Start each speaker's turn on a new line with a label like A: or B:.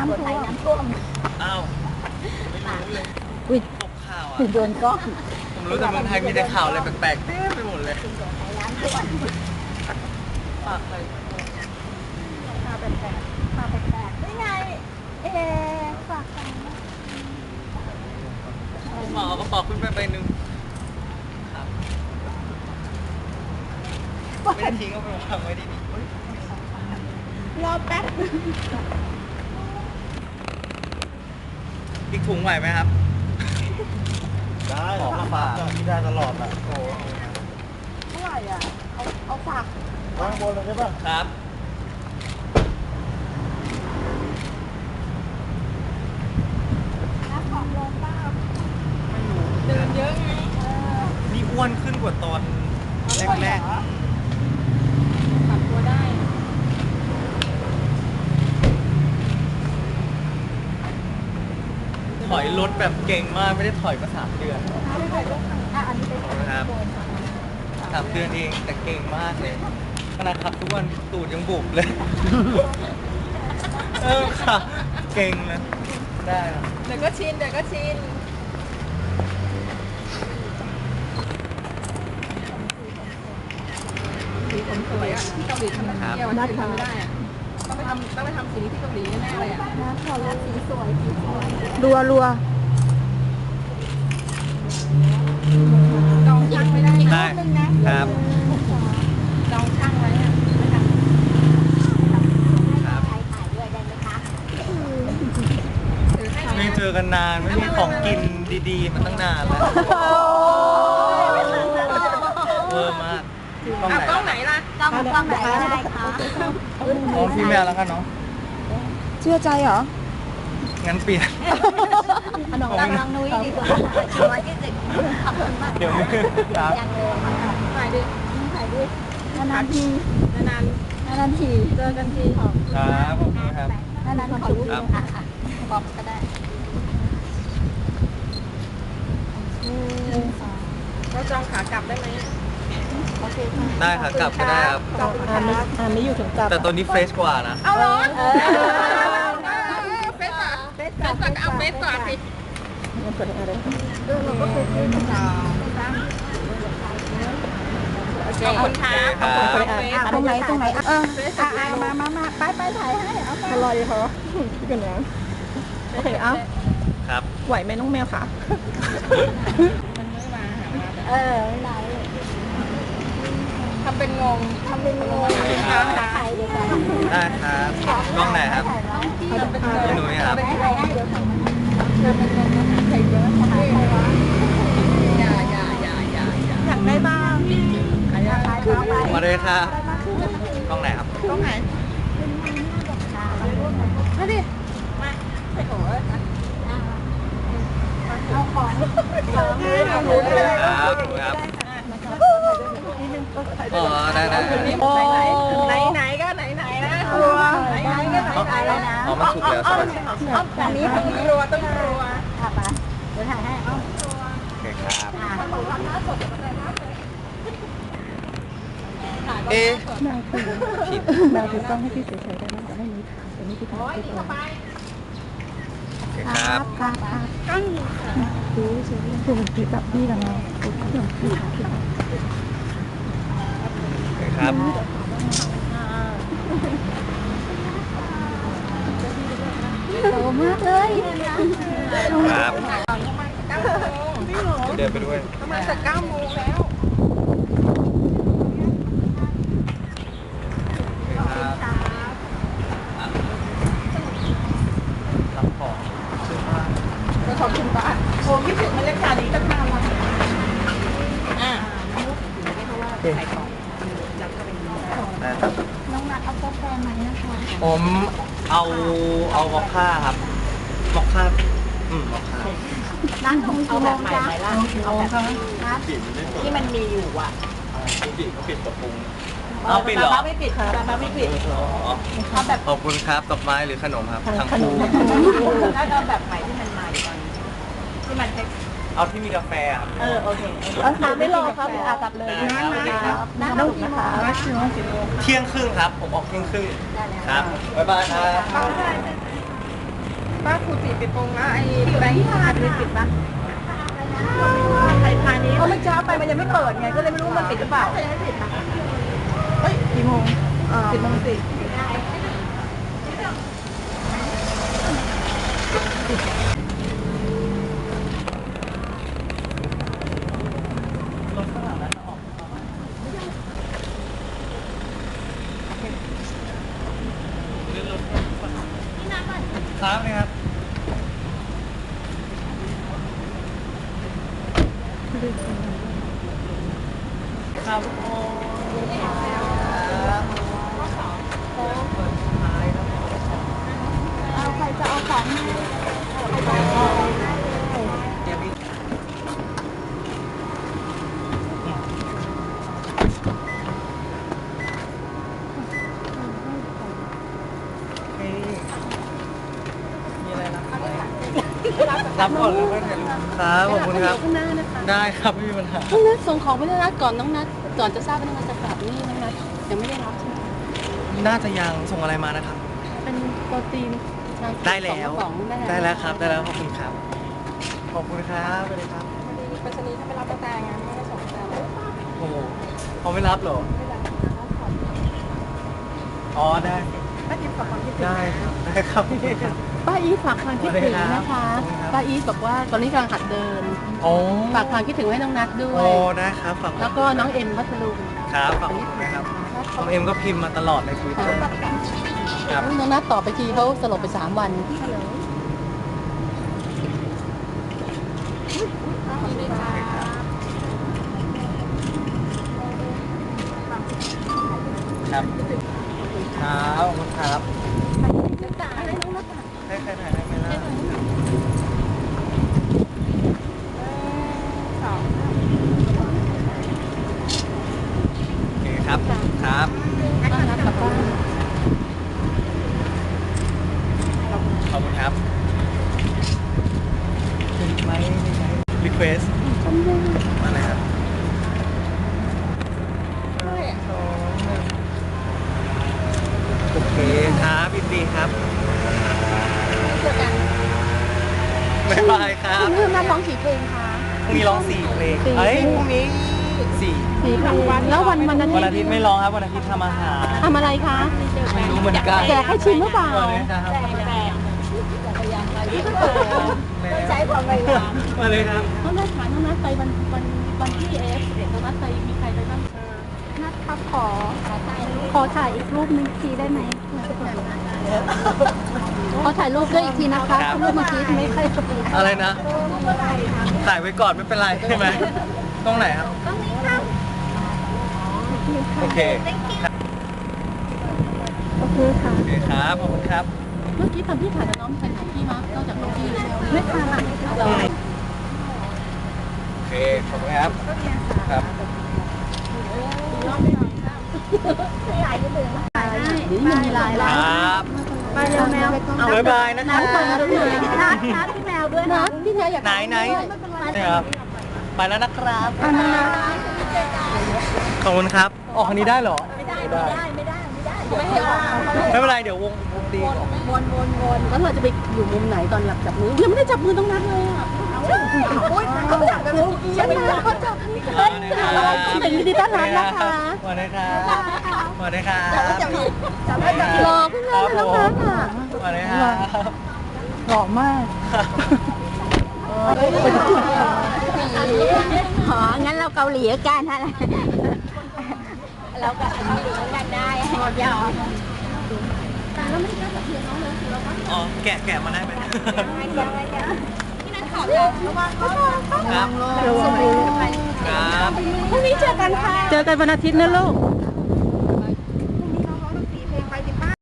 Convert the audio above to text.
A: ำท่วม
B: อ้าวไม่รู้เลย
A: อุ้ย
B: ตกข่าวอ่ะ
A: โดนก้อน
B: ผมรู้แต่เมืองไทยมีแต่ข่าวอะไรแปลกๆเต็มไปหมดเลย
A: น้ำท่วม
B: ฝากใคร
A: พาแปลกๆพาแปลกๆนี่ไงฝากกัน
B: หมอกระป๋องขึ้นไปใบหนึ่งครับไม่ได้ทิ้งก็ไปวางไว้ดี
A: รอแป๊บ
B: อีกถุงไหวไหมครับ
C: ได้ของมาฝากที่ได้ตลอดอ่ะโอ้
A: เท่าไหร่อ่ะเอาฝาก
C: วางบนเลยใช่ป่ะ
B: ครับ
A: น้ำของลงป้า
B: ไม่รู้
A: เดินเยอะไง
B: นี่อ้วนขึ้นกว่าตอนแรกๆ
A: ปรับตัวได้
B: ถอยรถแบบเก่งมากไม่ได้ถอยมา3 เดือนครับ3 เดือนเองแต่เก่งมากเลยขนาดขับทุกวันตูดยังบุบเลยค่ะเก่งเลยได้ครับ
A: เดี๋ยวก็ชินสีผมสวยอ่ะที่เกาหลีทำเที่ยวที่ทำไม่ได้อ่ะต้องไปทำสีที่เกาหลีแน่เลยอ่ะนะขอรับสีสวยรัวจองช่างไม่ได้
B: ครับ
A: จองช่างไว้อ่ะ
B: ไม่เจอกันนานไม่มีของกินดีๆมันตั้งนานแล้วเวอร์มาก
A: กล้องไหนล่ะกล้องไหนได้คะ
B: มองพี่แมวแล้วกันเนาะ
D: เชื่อใจเหรอ
B: งั้นเปลี่ยน
A: น้องนุ้ยดีกว่าชัวร์ที่สุดขอบคุณมาก
B: เดี๋ยวครับ
A: ถ่ายดินานทีเจอกันที
B: ครับขอบคุณครับ
A: นานขอรู้ค่ะบอกก็ได้เราจองขากลับได้ไหม
B: ได้ค่ะกลับก็ได้ครับ
D: ไม่อยู่ถึงกลับ
B: แต่ตัวนี้เฟรชกว่านะ
A: เอาล้อเฟสก่อนเอาเฟสก่อนสิเราก็เฟสก่อนขอบคุณค่ะ
D: ตรงไหนมาไปถ่ายให้เอาอร่อยเหรอพี่กันนะโอเคเอา
B: ครับ
D: ไหวไหมน้องแมวค่ะ
A: ไม่ได้ทำเป็นงงถ่ายดีกว่า
B: ได้ครับกล้องไหนครับพี่หนุ่ยครับ
D: อยากได้บ้าง
B: มาเลยครับกล้องไหนครับ
D: กล้องไหน
A: มาดิมาไปโหเอาของ
B: ครับครับอ๋อได้
A: ไหนก็ไหนนะนะ
B: อ๋อมันสุกแล้วใช่ไหม
A: อันนี้ต้องรัวค่ะไปเดี๋ยวถ่ายให้
B: โอเคครับ
D: นางคือต้องให้พี่เฉยๆได้ไหมจะให้นี้แต่นี่พี่ทำให้ตัว
B: ครับ
D: ตั้งดูเฉยๆคือมันติดกับพี่กันเนาะโอ
B: เคครับ
A: โตมากเลย
B: ครับเดินไปด้วย
A: ประมาณ9 โมงแล้ว
B: รับของซื้อบ้าน
A: ขอบคุณป้าโอ้คิดถึงบรรยากาศนี้ตั้งนานแล้วน้องนัดเอากาแฟไหมนะคะ
B: ผมเอามอคค่าครับมอคค่ามอคค่า
A: ร้านของเอาแบบใหม่ไหมล่ะเอาแบบร้านที่มันมีอยู่อ่ะ
B: ปิดกระปุกเอาปิดเหรอ
A: ไม่ปิดค่ะไม่ปิด
B: เอาแบบขอบคุณครับดอกไม้หรือขนมครับทั้งคู่
A: แล้วเอาแบบใหม่ที่มันมาอยู่ตอนที่มัน
B: เอาที่มีกาแฟครับ
A: โอเค
D: ไม่รอครับกลับเลย
A: น้องนะคะ
B: เที่ยงครึ่งครับผมออกเที่ยงครึ่งครับบ๊ายบายครับ
A: ป้าครูตีไปปงแล้วไอ้แบงค์พาไปปิดปะไทยพานี้เขาไม่ช้าไปมันยังไม่เปิดไงก็เลยไม่รู้มันปิดหรือเปล่าเฮ้ยกี่โมง10:10
B: ครับนะครับครับโอ้
D: เอาใครจะเอาของให้
B: เดี๋ยวพี่มีอะไรรับรับก่อนเลยไม่ถ่ายรูปครับขอบคุณครับ
E: ข้างหน้านะคะ
B: ได้ครับไม่มีปัญหา
E: น้องนัทส่งของไปน้องนัทก่อนน้องนัทก่อนจะทราบว่าน้องนัทจะกลับนี่น้องนัทยังไม่ได้รับใช่ไหม
B: น่าจะยังส่งอะไรมานะครับ
E: เป็นโปรตีน
B: ได้แล้ว
E: 2 กระป๋อง
B: ได้แล้วครับ ได้แล้วขอบคุณครับ ขอบคุณครับไปเลยครับ
A: ไปชนีถ้าไม่รับกระแตไงไม่ได้ส่งกระแต
B: โอ้โหเขาไม่รับเหรอ อ๋อได้
A: ไม่กินกับความคิดถึง
B: ได้ครับได้ครับขอบคุณครับ
E: ป้าอีทฝากความคิดถึงนะคะ
B: ขอบคุณครับ
E: ป้าอีทบอกว่าตอนนี้กำลังหัดเดิน
B: โอ้
E: ฝากความคิดถึงให้น้องนัทด้ว
B: โอ้
E: ย
B: ได้ครับฝาก
E: แล้วก็น้องเอ็มพัทลุง
B: ครับฝากคุณนะครับน้องเอ็มก็พิมพ์มาตลอดในทวิตเตอร์ครับ
E: น้องนัทต่อไปทีเขาสลบไป3 วัน
B: ครับครับขอบคุณครับให้ใครถ่ายได้ไหมล่ะโอเคครับครับ
E: น้องนัทกลับบ้าน
B: ขอบคุณครับเป็นไหมรีเควสมาเลยครับโอเคครับยินดีครับบ๊ายบายครับ
E: คุณเพิ่มนัทร้องกี่เพลงคะ
B: พรุ่งนี้ร้อง4 เพลงเอ้ยพรุ่งนี้4
E: 4 เพลงแล้ววันอาทิ
B: วัน
E: ต
B: อา
E: ย์
B: ทิตย์ไม่ร้องครับวันอาทิตย์ทำอาหาร
E: ทำอะไรคะ
B: ไม่รู้เหมือนกัน
E: แจกให้ชิมหรือเปล่า
B: ใช้ความพยายามมาเลยครับ
E: น้องนัทถามน้องนัทไปวันที่AF11น้องนัทไปมีใครไปบ้าง
D: นัดครับขอถ่ายอีกรูปนึงทีได้ไหมขอถ่ายรูปด้วยอีกทีนะคะ
B: ครับ
D: รูปเมื่อกี้ไม่ค่อย
B: อะไรนะถ่ายไว้ก่อนไม่เป็นไรใช่ไหมตรงไหนครับตรงนี้ครับโอเคครับ
D: โอเคค่ะ
B: โอเคครับขอบคุณครับ
E: เมื่อกี้ตอนที่ถ่ายกับน้องใครถ่ายพี่มั้งนอกจากน้องพี่แล้ว
D: ไม่ค่ะ
E: เรา
B: โอเคขอบคุณครับครับ
E: เดี๋ยวนี้มันมีไลน์
B: ค
E: แล้ว
B: รับ
D: ไปเร็วแมว
B: บ๊ายบายนะครับ
D: นัดพี่แมวด้วย
E: นั
D: นะ
E: ทพี่แทอยาก
B: ไหนนี่ครับไปแล้วนะครับ
D: อันนั้นนะ
B: ขอบคุณครับออกคันนี้ได้เหรอไม่ได้ไม่เป็นไรเดี๋ยววงตีก่อน
E: แล้วเราจะไปอยู่มุมไหนตอนหลับจับมือยังไม่ได้จับมือต้องนัดเลยอ่ะ
D: เขาจับกันลูกฉันนะเขาจับนี่เลย
E: เป็นยินดีต้อนรับนะคะ
B: สวัสดีครับสวัสดีครับ
E: รอขึ้นเลยน้องนัทอ่ะ
B: สวัสดีครับ
E: หล่อมาก
D: อ๋องั้นเราเกาหลีกันฮะเราก็เกาหลีกันได้ยอม
B: อ๋อแกะมาได้ไหมครับ ครับ
E: พรุ่งนี้เจอกันค่ะ เจอกันวันอาทิตย์นะลูก